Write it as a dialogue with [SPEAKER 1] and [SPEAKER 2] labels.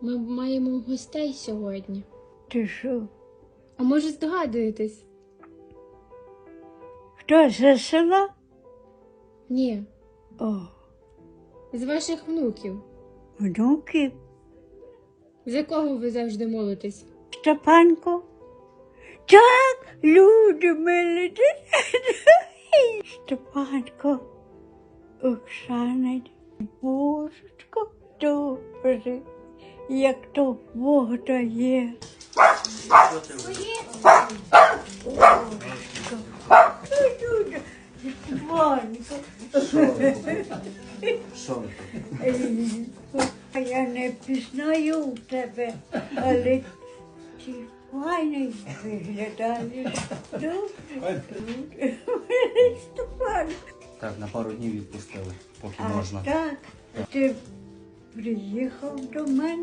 [SPEAKER 1] Ми маємо гостей сьогодні.
[SPEAKER 2] Ти що?
[SPEAKER 1] А може здогадуєтесь?
[SPEAKER 2] Хто з села?
[SPEAKER 1] Ні,
[SPEAKER 2] О,
[SPEAKER 1] з ваших внуків.
[SPEAKER 2] внуків.
[SPEAKER 1] За кого ви завжди молитесь?
[SPEAKER 2] Степанко. Так, люди милі. Степанко, Оксана, Божечко, добре, як то Бог дає. Степанко. А я не пізнаю тебе, але ти файний виглядаєш. Добре. Степанко.
[SPEAKER 3] Так, на пару днів відпустили, поки
[SPEAKER 2] А
[SPEAKER 3] можна.
[SPEAKER 2] так, ти приїхав до мене.